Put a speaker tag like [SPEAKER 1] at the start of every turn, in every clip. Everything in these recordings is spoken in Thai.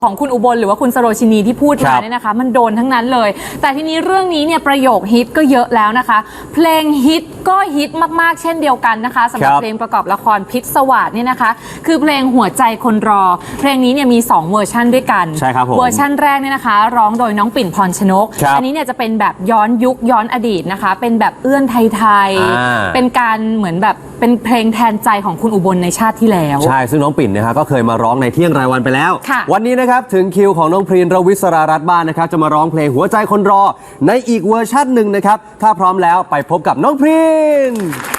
[SPEAKER 1] ของคุณอุบลหรือว่าคุณสโรชินีที่พูดมาเนี่ยนะคะมันโดนทั้งนั้นเลยแต่ทีนี้เรื่องนี้เนี่ยประโยคฮิตก็เยอะแล้วนะคะเพลงฮิตก็ฮิตมากๆเช่นเดียวกันนะคะสำหรับเพลงประกอบละครพิษสวาสเนี่ยนะคะคือเพลงหัวใจคนรอเพลงนี้เนี่ยมี2เวอร์ชันด้วยกัน
[SPEAKER 2] ใช่ครับผม
[SPEAKER 1] เวอร์ชันแรกเนี่ยนะคะร้องโดยน้องปิ่นพรชนกอันนี้เนี่ยจะเป็นแบบย้อนยุคย้อนอดีตนะคะเป็นแบบเอื้อนไทยๆเป็นการเหมือนแบบเป็นเพลงแทนใจของคุณอุบลในชาติที่แล้ว
[SPEAKER 2] ใช่ซึ่งน้องปิ่นนะฮะก็เคยมาร้องในเที่ยงรายวันไปแล้ววันนี้นะครับถึงคิวของน้องพรีนรวิศรารัตน์บ้านนะครับจะมาร้องเพลงหัวใจคนรอในอีกเวอร์ชันหนึ่งนะครับถ้าพร้อมแล้วไปพบกับน้องพรีน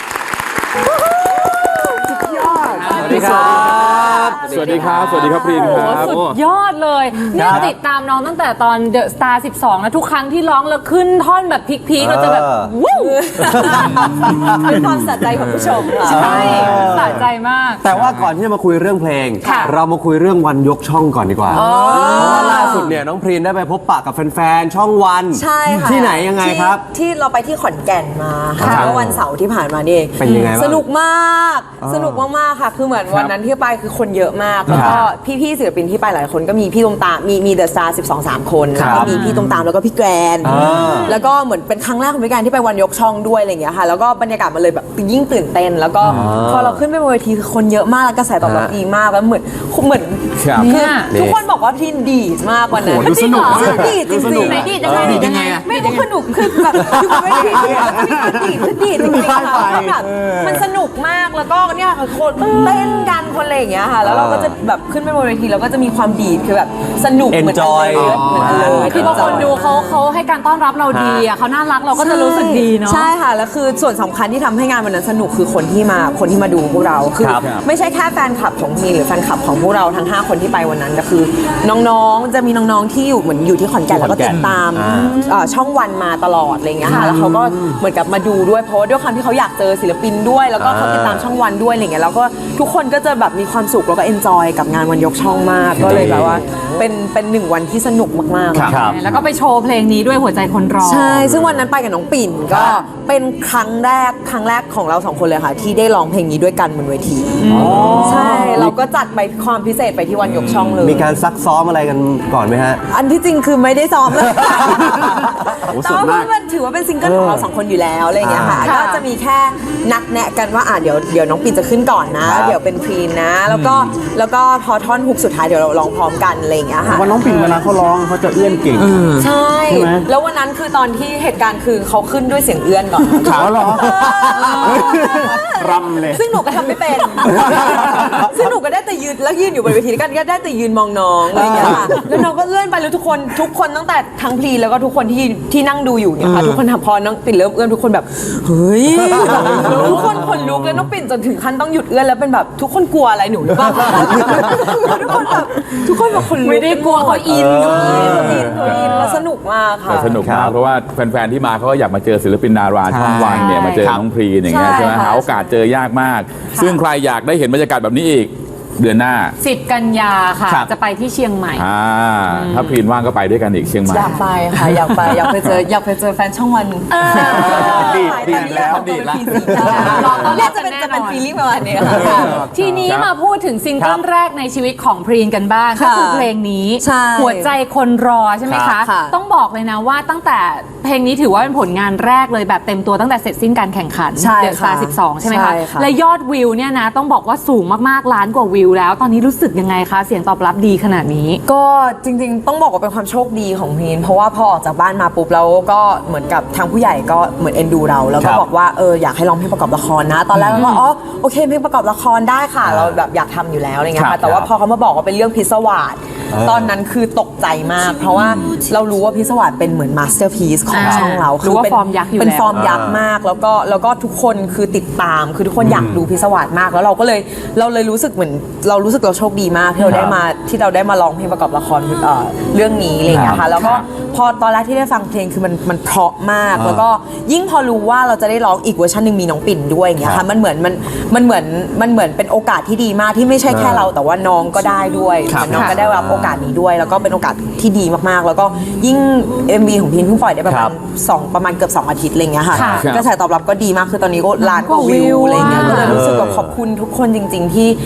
[SPEAKER 2] สวัสดีครับ
[SPEAKER 3] สวัสดีครับสวัสดีครับพรีนครับ
[SPEAKER 1] สุดยอดเลยเนี่ยติดตามน้องตั้งแต่ตอนเดอะสตาร์12นะทุกครั้งที่ร้องแล้วขึ้นท่อนแบบพีคๆเราจะแบบวู้
[SPEAKER 4] เป็นความสะใจของผู้ชม
[SPEAKER 1] ใช่สะใจมาก
[SPEAKER 2] แต่ว่าก่อนที่จะมาคุยเรื่องเพลงเรามาคุยเรื่องวันยกช่องก่อนดีกว่าเพราะว่าล่าสุดเนี่ยน้องพรีนได้ไปพบปะกับแฟนๆช่องวัน
[SPEAKER 4] ใช่ค่ะ
[SPEAKER 2] ที่ไหนยังไงครับ
[SPEAKER 4] ที่เราไปที่ขอนแก่นมาค่ะเมื่อวันเสาร์ที่ผ่านมานี่
[SPEAKER 2] เป็นยังไงบ้าง
[SPEAKER 4] สนุกมากค่ะคือเหมือนวันนั้นที่ไปคือคนเยอะมากแล้วก็พี่ๆศิลปินที่ไปหลายคนก็มีพี่ตุ้มตามมีเดอะสตาร์12-3 คนแล้วก็มีพี่ตุ้มตามแล้วก็พี่แกรนแล้วก็เหมือนเป็นครั้งแรกของพี่แกรนที่ไปวันยกช่องด้วยอะไรอย่างเงี้ยค่ะแล้วก็บรรยากาศมันเลยแบบยิ่งตื่นเต้นแล้วก็พอเราขึ้นไปบนเวทีคือคนเยอะมากแล้วกระแสตอบรับดีมากแล้วเหมือนคือทุกคนบอกว่าพี่ดีดมากวันนั้น
[SPEAKER 3] ดูสนุก
[SPEAKER 4] ดีดจริงๆ
[SPEAKER 1] ไหนดีดยังไง
[SPEAKER 4] ไม่รู้สนุกคือแบบอยู่บนเวทีดีดจริงๆค่ะแบบมันสนุกมากแล้วก็เนี่ยค่ะคนเต้นกันคนอะไรอย่างเงี้ยค่ะแล้วเราก็จะแบบขึ้นไปบนเวทีเราก็จะมีความดีดคือแบบสนุกเหมือนกันเลย
[SPEAKER 1] คือบางคนดูเขาให้การต้อนรับเราดีอ่ะเขาน่ารักเราก็จะรู้สึกดีเนาะ
[SPEAKER 4] ใช่ค่ะแล้วคือส่วนสำคัญที่ทำให้งานวันนั้นสนุกคือคนที่มาดูพวกเราคือไม่ใช่แค่แฟนคลับของทีหรือแฟนคลับของพวกเราทั้ง5คนที่ไปวันนั้นก็คือน้องๆจะมีน้องๆที่อยู่เหมือนอยู่ที่ขอนแก่นแล้วก็ติดตามช่องวันมาตลอดอะไรเงี้ยค่ะแล้วเขาก็เหมือนกับมาดูด้วยเพราะด้วยความที่เขาอยากเจอศิลปินด้วยแล้วก็เขาติดตามช่องวันด้วยอะไรเงี้ยแล้วก็ทุกคนก็จะแบบมีความสุขแล้วก็เอนจอยกับงานวันยกช่องมากก็เลยแบบว่าเป็น1 วันที่สนุกมาก
[SPEAKER 1] ๆแล้วก็ไปโชว์เพลงนี้ด้วยหัวใจคนรอ
[SPEAKER 4] ใช่ซึ่งวันนั้นไปกับน้องปิ่นก็เป็นครั้งแรกของเรา2 คนเลยค่ะที่ได้ร้องเพลงนี้ด้วยกันบนเวทีใช่เราก็จัดไปความพิเศษไปที่วันยกช่องเลย
[SPEAKER 2] มีการซักซ้อมอะไรกันก่อนไหมฮะ
[SPEAKER 4] อันที่จริงคือไม่ได้ซ้อมเลยแต่ว่ามันถือว่าเป็นซิงเกิลของเรา2 คนอยู่แล้วอะไรอย่างเงี้ยค่ะก็จะมีแค่นัดแนะกันว่าเดี๋ยวน้องปิ่นจะขึ้นก่อนนะเดี๋ยวเป็นพรีนนะแล้วก็พอท่อนฮุกสุดท้ายเดี๋ยวเราร้องพร้อมกันอะไรอย่างเงี้ยค่ะ
[SPEAKER 3] วันน้องปิ่นเวลาเขาร้องเขาจะเอื้อนเก่ง
[SPEAKER 4] ใช่แล้ววันนั้นคือตอนที่เหตุการณ์คือเขาขึ้นด้วยเสียงเอื้อนก่อน
[SPEAKER 3] ขาวหรอรำเลย
[SPEAKER 4] ซึ่งหนูก็ทำไม่เป็นซึ่งหนูก็ได้แต่ยืนอยู่บนเวทีกันก็ได้แต่ยืนมองน้องอะไรอย่างเงี้ยค่ะแล้วน้องก็เอื้อนไปแล้วทุกคนตั้งแต่ทั้งพรีแล้วก็ทุกคนที่นั่งดูอยู่เนี่ยค่ะทุกคนพอน้องปิ่นเริ่มเอื้อนทุกคนแบบเฮ้ยทุกคนขนลุกแล้วน้องปิ่นจนถึงขั้นต้องหยุดเอื้อนแล้วเป็นแบบทุกคนกลัวอะไรหนูหรือเปล่าทุกคนแบบขนลุก
[SPEAKER 1] ไม่ได้กลัวเขาอิน
[SPEAKER 4] แล้วสนุกมากค่ะ
[SPEAKER 3] สนุกมากเพราะว่าแฟนๆที่มาเขาก็อยากมาเจอศิลปินดาราช่องวันเนี่ยมาเจอน้องพรีอย่างเงี้ยใช่ไหมหาโอกาสเจอยากมากซึ่งใครอยากได้เห็นบรรยากาศแบบนี้อีกเดือนหน้า
[SPEAKER 1] 10 กันยาค่ะจะไปที่เชียงใหม่
[SPEAKER 3] ถ้าพรีนว่างก็ไปด้วยกันอีกเชียงใหม่
[SPEAKER 4] อยากไปค่ะอยากไปเจอแฟนช่องวัน
[SPEAKER 3] ดีแล้ว
[SPEAKER 4] เนี่ยจะเป็นฟีลิ่งประมาณนี้ค่ะ
[SPEAKER 1] ทีนี้มาพูดถึงซิงเกิลแรกในชีวิตของพรีนกันบ้างก็คือเพลงนี้หัวใจคนรอใช่ไหมคะต้องบอกเลยนะว่าตั้งแต่เพลงนี้ถือว่าเป็นผลงานแรกเลยแบบเต็มตัวตั้งแต่เสร็จสิ้นการแข่งขันเดอะสตาร์12ใช่ไหมคะและยอดวิวเนี่ยนะต้องบอกว่าสูงมากๆล้านกว่าวิวแล้วตอนนี้รู้สึกยังไงคะเสียงตอบรับดีขนาดนี้
[SPEAKER 4] ก็จริงๆต้องบอกว่าเป็นความโชคดีของพรีนเพราะว่าพอออกจากบ้านมาปุ๊บแล้วก็เหมือนกับทางผู้ใหญ่ก็เหมือนเอ็นดูเราแล้วก็บอกว่าอยากให้ร้องเพลงประกอบละครนะตอนแรกเราก็โอเคเพลงประกอบละครได้ค่ะเราแบบอยากทำอยู่แล้วอะไรเงี้ยค่ะแต่ว่าพอเขามาบอกว่าเป็นเรื่องพิศวาสตอนนั้นคือตกใจมากเพราะว่าเรารู้ว่าพิศวาสเป็นเหมือนมาสเตอร์พีซของช่องเรา
[SPEAKER 1] คือเป็นฟอร์มยักษ์อยู่
[SPEAKER 4] เป็นฟอร์มยักษ์มากแล้วก็ทุกคนคือติดตามคือทุกคนอยากดูพิศวาสมากแล้วเราเลยรู้สึกเหมือนเราโชคดีมากที่เราได้มาร้องเพลงประกอบละครเรื่องนี้อะไรอย่างเงี้ยค่ะแล้วก็พอตอนแรกที่ได้ฟังเพลงคือมันเพราะมากแล้วก็ยิ่งพอรู้ว่าเราจะได้ร้องอีกเวอร์ชันนึงมีน้องปิ่นด้วยอย่างเงี้ยค่ะมันเหมือนเป็นโอกาสที่ดีมากที่ไม่ใช่แค่เราแต่ว่าน้องก็ได้ด้วยน้องก็ได้รับโอกาสนี้ด้วยแล้วก็เป็นโอกาสที่ดีมากๆแล้วก็ยิ่ง MV ของพินเพิ่งปล่อยได้ประมาณเกือบ2 อาทิตย์อะไรเงี้ยค่ะกระแสตอบรับก็ดีมากคือตอนนี้ก็ล้านกว่าวิวอะไรเงี้ยก็เลยรู้สึกแบบขอบคุณทุกคนจริงๆที่ติด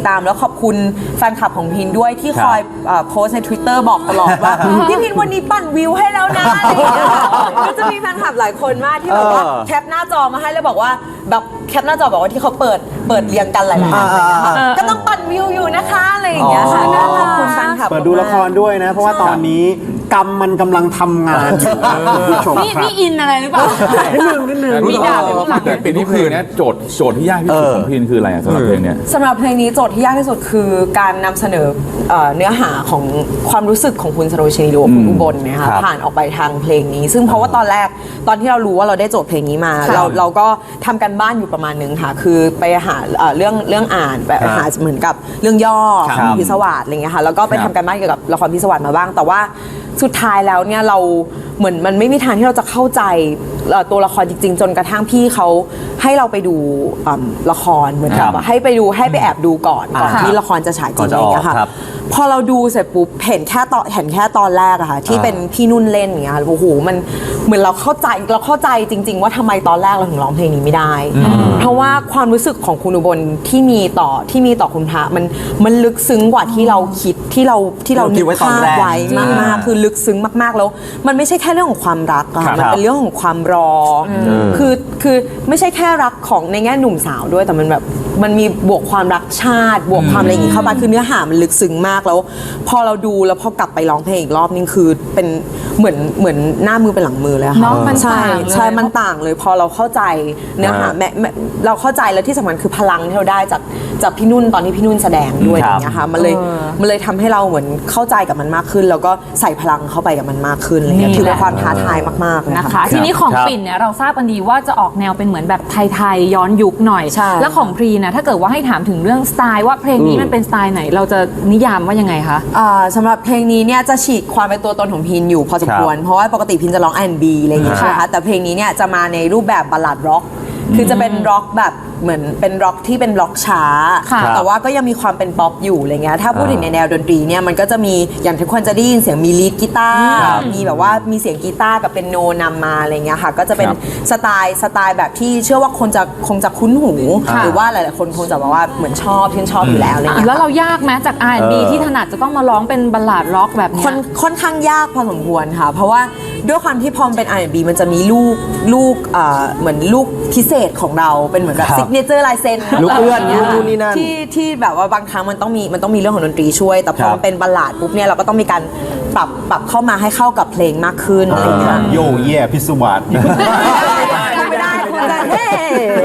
[SPEAKER 4] ตามแล้วขอบคุณแฟนคลับของพินด้วยที่คอยโพสใน Twitter บอกตลอดว่า พี่พินวันนี้ปั่นวิวให้แล้วนะอะไรอย่างเงี้ยก็จะมีแฟนคลับหลายคนมากที่แบบว่าแคปหน้าจอมาให้แล้วบอกว่าแบบแคปหน้าจอบอกว่าที่เขาเปิดเรียงกันหลายๆอันอะไรอย่างเงี้ยค่ะก็ต้องปั่นวิวอยู่นะคะอะไรอย่างเงี้ยค่ะก็ขอบคุณแฟนคลับ
[SPEAKER 5] เปิดดูละครด้วยนะ เพราะว่าตอนนี้กรรมมันกำลังทำงานอยู่คุณผู้ชม
[SPEAKER 1] นี่
[SPEAKER 5] ครับ
[SPEAKER 1] อินอะไรหรือเปล่า
[SPEAKER 5] นิดนึง
[SPEAKER 1] มีดาบอยู่ข้างหลัง
[SPEAKER 3] แต่ปีนี้เพลงเนี้ยโจทย์ที่ยากที่สุดของพีนคืออะไรสำหรับเพลงเนี้ย
[SPEAKER 4] สำหรับเพลงนี้โจทย์ที่ยากที่สุดคือการนำเสนอเนื้อหาของความรู้สึกของคุณสโรชนีหรือว่าคุณอุบลเนะคะผ่านออกไปทางเพลงนี้ ซึ่งเพราะว่าตอนแรกตอนที่เรารู้ว่าเราได้โจทย์เพลงนี้มาเราก็ทำกันบ้านอยู่ประมาณนึงค่ะคือไปหาเรื่องอ่านแบบหาเหมือนกับเรื่องย่อของพิศวาสอะไรเงี้ยค่ะแล้วก็ไปทำกันบ้านเกี่ยวกับละครพิศวาสมาบ้างแต่ว่าสุดท้ายแล้วเนี่ยเราเหมือนมันไม่มีทางที่เราจะเข้าใจตัวละครจริงๆจนกระทั่งพี่เขาให้เราไปดูละครเหมือนกับให้ไปแอบดูก่อนที่ละครจะฉายจริงอะไรอย่างเงี้ยค่ะพอเราดูเสร็จปุ๊บเห็นแค่ตอนแรกอะค่ะที่เป็นพี่นุ่นเล่นอย่างเงี้ยโอ้โหมันเหมือนเราเข้าใจจริงๆว่าทำไมตอนแรกเราถึงร้องเพลงนี้ไม่ได้เพราะว่าความรู้สึกของคุณอุบลที่มีต่อคุณพระมันลึกซึ้งกว่าที่เราคิดที่เรานึกภาพไว้มากๆคือลึกซึ้งมากๆแล้วมันไม่ใช่แค่เรื่องของความรักอะค่ะมันเป็นเรื่องของความรอคือไม่ใช่แค่รักของในแง่หนุ่มสาวด้วยแต่มันแบบมันมีบวกความรักชาติบวกความอะไรอย่างงี้เข้ามาคือเนื้อหามันลึกซึ้งมากแล้วพอเราดูแล้วพอกลับไปร้องเพลงอีกรอบนึงคือเป็นเหมือนหน้ามือเป็นหลังมือเลยค่ะ
[SPEAKER 1] เนาะมันต่างเลย
[SPEAKER 4] ใช่มันต่างเลยพอเราเข้าใจเนื้อหาเราเข้าใจแล้วที่สำคัญคือพลังที่เราได้จากพี่นุ่นตอนที่พี่นุ่นแสดงด้วยอย่างเงี้ยค่ะมันเลยทำให้เราเหมือนเข้าใจกับมันมากขึ้นแล้วก็ใส่พลังเข้าไปกับมันมากขึ้นอะไรเงี้ยถือเป็นความท้าทายมากๆเลย
[SPEAKER 1] นะคะ
[SPEAKER 4] ค่ะ
[SPEAKER 1] ทีนี้ของปิ่นเนี่ยเราทราบกันดีว่าจะออกแนวเป็นเหมือนแบบไทยๆย้อนยุคหน่อย
[SPEAKER 4] ใช่
[SPEAKER 1] แล้วของพรีนะถ้าเกิดว่าให้ถามถึงเรื่องสไตล์ว่าเพลงนี้มันเป็นสไตล์ไหนเราจะนิยามว่ายังไงคะ
[SPEAKER 4] สำหรับเพลงนี้เนี่ยจะฉีกความเป็นตัวตนของพินอยู่พอสมควรเพราะว่าปกติพินจะร้อง R&B อะไรอย่างเงี้ยใช่ไหมคะแต่เพลงนี้เนี่ยจะมาในรูปแบบบัลลาดร็อกคือจะเป็นร็อกแบบเหมือนเป็นร็อกที่เป็นร็อกช้าแต่ว่าก็ยังมีความเป็นป๊อปอยู่อะไรเงี้ยถ้าพูดถึงในแนวดนตรีเนี่ยมันก็จะมีอย่างทุกคนจะได้ยินเสียงมีลีดกีตาร์มีแบบว่ามีเสียงกีตาร์กับเป็นโนนำมาอะไรเงี้ยค่ะก็จะเป็นสไตล์แบบที่เชื่อว่าคนคงจะคุ้นหูหรือว่าหลายๆคนคงจะบอกว่าเหมือนชื่นชอบอยู่แล้วอะไรเงี้ย
[SPEAKER 1] แล้วเรายากไหมจาก R&B ที่ถนัดจะต้องมาร้องเป็นบัลลาดร็อกแบบนี้
[SPEAKER 4] ค่อนข้างยากพอสมควรค่ะเพราะว่าด้วยความที่พอมเป็น R&B มันจะมีลูกเหมือนลูกพิเศษของเราเป็นเหมือนแบบซิกเนเจอร์ลายเซ็น
[SPEAKER 2] ลูกเอื้อน
[SPEAKER 4] ย
[SPEAKER 2] นู่นนี่นั่น
[SPEAKER 4] ที่แบบว่าบางครั้งมันต้องมีเรื่องของดนตรีช่วย แต่พอมันเป็นบัลลาดปุ๊บเนี่ยเราก็ต้องมีการปรับเข้ามาให้เข้ากับเพลงมากขึ้นอะไรอย่างเงี้ย
[SPEAKER 5] โยเย่พิศวาส
[SPEAKER 4] ไม่ได้คุณจะเฮ้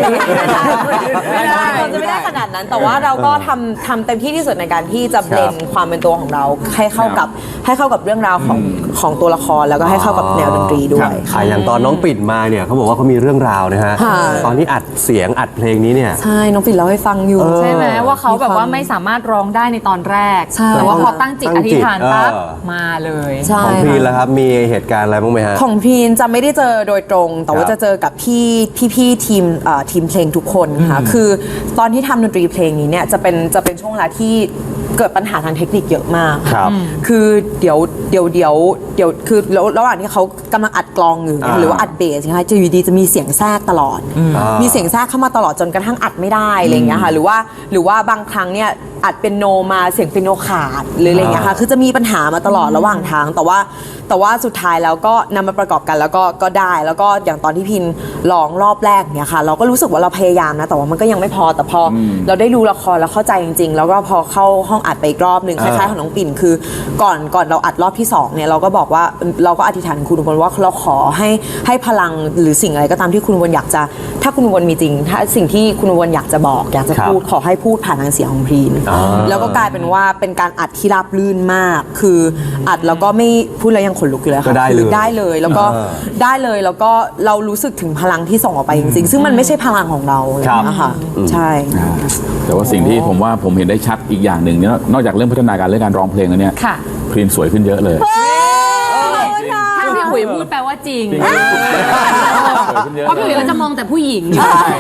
[SPEAKER 4] ไม่ได้ขนาดนั้นแต่ว่าเราก็ทำเต็มที่ที่สุดในการที่จะเบลนความเป็นตัวของเราให้เข้ากับเรื่องราวของตัวละครแล้วก็ให้เข้ากับแนวดนตรีด้วย
[SPEAKER 2] อย่างตอนน้องปิ่นมาเนี่ยเขาบอกว่าเขามีเรื่องราวนะฮะ
[SPEAKER 4] ค่ะ
[SPEAKER 2] ตอนที่อัดเสียงอัดเพลงนี้เนี่ย
[SPEAKER 4] ใช่น้องปิ่นเล่าให้ฟังอยู่
[SPEAKER 1] ใช่ไหมว่าเขาแบบว่าไม่สามารถร้องได้ในตอนแรก
[SPEAKER 4] ใช่
[SPEAKER 1] แต่ว่าพอตั้งจิตอธิษฐานปั๊บ
[SPEAKER 2] เออ
[SPEAKER 1] มาเลย
[SPEAKER 4] ใช่
[SPEAKER 2] ของพีนแล้วครับมีเหตุการณ์อะไรบ้างไหมฮะ
[SPEAKER 4] ของพีนจะไม่ได้เจอโดยตรง แต่ว่า
[SPEAKER 2] ครับ
[SPEAKER 4] จะเจอกับพี่ทีมเพลงทุกคนค่ะคือตอนที่ทำดนตรีเพลงนี้เนี่ยจะเป็นช่วงเวลาที่เกิดปัญหาทางเทคนิคเยอะมาก
[SPEAKER 2] ครับ
[SPEAKER 4] คือเดี๋ยวคือระหว่างที่เขากำลังอัดกลองอยู่หรือว่าอัดเบสนะคะจะอยู่ดีจะมีเสียงแทรกตลอด มีเสียงแทรกเข้ามาตลอดจนกระทั่งอัดไม่ได้อะไรอย่างเงี้ยค่ะหรือว่าบางครั้งเนี่ยอัดเป็นโนมาเสียงเป็นโนขาดหรืออะไรอย่างเงี้ยค่ะคือจะมีปัญหามาตลอดระหว่างทางแต่ว่าสุดท้ายแล้วก็นำมาประกอบกันแล้วก็ได้แล้วก็อย่างตอนที่พินร้องรอบแรกเนี่ยค่ะเราก็รู้สึกว่าเราพยายามนะแต่ว่ามันก็ยังไม่พอแต่พอเราได้ดูละครแล้วเข้าใจจริงๆแล้วก็พอเข้าห้องอัดไปอีกรอบหนึ่งคล้ายๆของน้องปิ่นคือก่อนเราอัดรอบที่2เนี่ยเราก็บอกว่าเราก็อธิษฐานคุณอุบลว่าเราขอให้พลังหรือสิ่งอะไรก็ตามที่คุณอุบลอยากจะถ้าคุณอุบลมีจริงถ้าสิ่งที่คุณอุบลอยากจะบอกอยากจะพูดขอให้พูดผ่านทางเสียงของพีนแล้วก็กลายเป็นว่าเป็นการอัดที่ราบรื่นมากคืออัดแล้วก็ไม่พูดแล้วยังขนลุกอยู่เลย
[SPEAKER 2] ก็
[SPEAKER 4] ค่ะ
[SPEAKER 2] ได้เลย
[SPEAKER 4] คือได้เลยแล้วก็ได้เลยแล้วก็เรารู้สึกถึงพลังที่ส่งออกไปจริงๆซึ่งมันไม่ใช่พลังของเราเลยนะคะใช่
[SPEAKER 3] แต่ว่าสิ่งที่ผมเห็นได้ชัดอีกอย่างหนึ่งเนี่ยนอกจากเรื่องพัฒนาการเรื่องการร้องเพลงแล้วเนี่ย
[SPEAKER 1] ค่ะ
[SPEAKER 3] พรีนสวยขึ้นเยอะเลย
[SPEAKER 1] ถ้าพี่อุ๋ยพูดแปลว่าจริง
[SPEAKER 3] สวยขึ้นเยอะ
[SPEAKER 1] เพราะพี่อุ๋ยก็จะมองแต่ผู้หญิง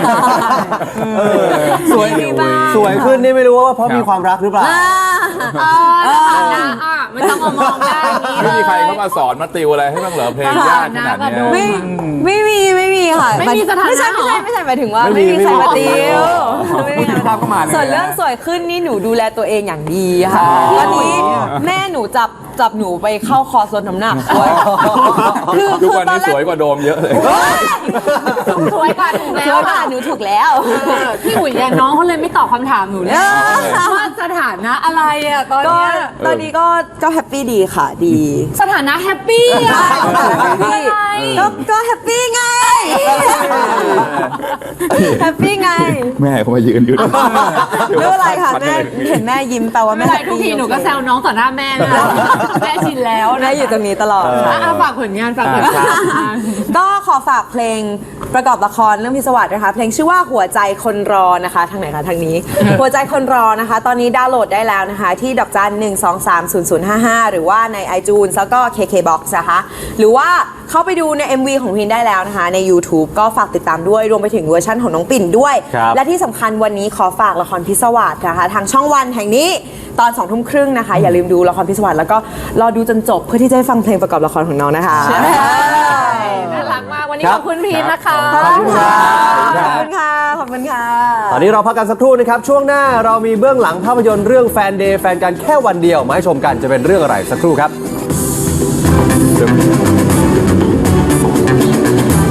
[SPEAKER 2] สวยขึ้นนี่ไม่รู้ว่าเพราะมีความรักหรือเปล่า
[SPEAKER 1] ไม่ต้องมามองได้างนี้
[SPEAKER 3] ไม่มีใครเข้ามาสอนมาติวอะไรให้บ้างเหรอเพลงยากขนาดเนี้ย
[SPEAKER 4] ไม่มีค่ะ
[SPEAKER 1] ไม่มีสถานะ
[SPEAKER 4] ไม่ใช่หมายถึงว่า
[SPEAKER 2] ไม่
[SPEAKER 4] ไม่
[SPEAKER 2] มี
[SPEAKER 4] มีใครมาติว
[SPEAKER 2] ไม่มีภาพเข้ามาเลย
[SPEAKER 4] ส่วนเรื่องสวยขึ้นนี่หนูดูแลตัวเองอย่างดีค่ะตอนนี้แม่หนูจับหนูไปเข้าคอร์สลดน้ำหนักด้วย
[SPEAKER 3] ทุกวันนี้สวยกว่าโดมเยอะเลย
[SPEAKER 1] สวยกว่าถูกแล้
[SPEAKER 4] เชื่
[SPEAKER 1] ว
[SPEAKER 4] อว่าหนูถูกแล้ว
[SPEAKER 1] พี่อุ๋ยเนี่ยน้องเขาเลยไม่ตอบคำถามหนูเลยว่าสถานะอะไรอะตอน
[SPEAKER 4] ก็
[SPEAKER 1] เนี้ย
[SPEAKER 4] ตอนนี้ก็แฮปปี้ดีค่ะดี
[SPEAKER 1] สถานะแฮปปี้อะ
[SPEAKER 4] แฮปปี้
[SPEAKER 1] อะไร
[SPEAKER 4] ก็แฮปปี้ไงแฮปปี้ไง
[SPEAKER 3] แม่เขามายืนอยู่
[SPEAKER 4] ไม่เป็นไรค่ะแม่เห็นแม่ยิ้มแปลว่า
[SPEAKER 1] ไม่
[SPEAKER 4] แม่
[SPEAKER 1] เป็นไรทุกทีหนูก็แซวน้องต่อหน้าแม่นะแม่ชินแล้ว
[SPEAKER 4] แม่อยู่ตรงนี้ตลอดค่ะ
[SPEAKER 1] ฝากผลงานฝากผลงาน
[SPEAKER 4] ก็ขอฝากเพลงประกอบละครเรื่องพิศวาสนะคะเพลงชื่อว่าหัวใจคนรอนะคะทางไหนคะทางนี้ หัวใจคนรอนะคะ ตอนนี้ดาวน์โหลดได้แล้วนะคะ ที่ดอกจัน 1230055 หรือว่าใน iTunes แล้วก็ KKBox นะคะหรือว่าเข้าไปดูใน MV ของพินได้แล้วนะคะใน YouTube ก็ฝากติดตามด้วยรวมไปถึงเวอร์ชั่นของน้องปิ่นด้วย
[SPEAKER 2] ครับ
[SPEAKER 4] และที่สำคัญวันนี้ขอฝากละครพิศวาสนะคะทางช่องวันแห่งนี้ตอน2 ทุ่มครึ่งนะคะ อย่าลืมดูละครพิศวาสแล้วก็รอดูจนจบเพื่อที่จะได้ฟังเพลงประกอบละครของน้องนะคะ
[SPEAKER 1] น่ารักมากวันนี้
[SPEAKER 2] ครั
[SPEAKER 1] ข
[SPEAKER 2] บ
[SPEAKER 1] อบคุณพีทนะคะ
[SPEAKER 2] ขอบคุณครับ
[SPEAKER 4] ขอบคุณค่ะ ขอบคุณค่ะ
[SPEAKER 2] ตอนนี้เราพักกันสักครู่นะครับ ช่วงหน้าเรามีเบื้องหลังภาพยนตร์เรื่องแฟนเดย์แฟนกันแค่วันเดียวมาให้ชมกันจะเป็นเรื่องอะไรสักครู่ครับ